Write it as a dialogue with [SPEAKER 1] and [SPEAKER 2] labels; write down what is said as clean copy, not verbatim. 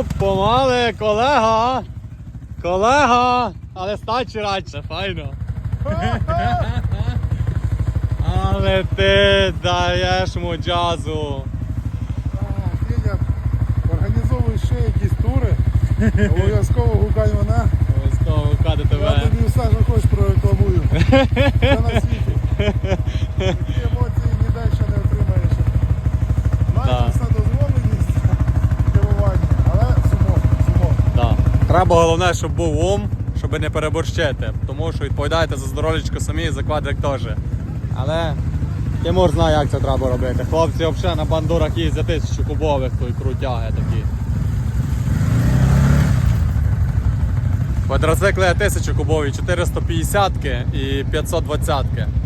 [SPEAKER 1] Оп, помали, колега! Колега! Але стачі радше, файно. Але ти даєш му джазу.
[SPEAKER 2] Федя, організовуй ще якісь тури. Обов'язково гукай мене.
[SPEAKER 1] Обов'язково гукати
[SPEAKER 2] Я
[SPEAKER 1] тебе.
[SPEAKER 2] тобі все, що хочеш, прорекламую. Це на світі. Такі емоції ніде ще не отримаєш. Наче все дозволеність керування, але сумок.
[SPEAKER 1] Да. Треба головне, щоб був ум, щоб не переборщити. Тому що відповідаєте за здоров'ячко самі і за квадрик теж. Але Тимур знає, як це треба робити. Хлопці взагалі на бандурах їздять 1000 кубових, то й крутяги такі. Квадроцикли 1000 кубові, 450 і 520.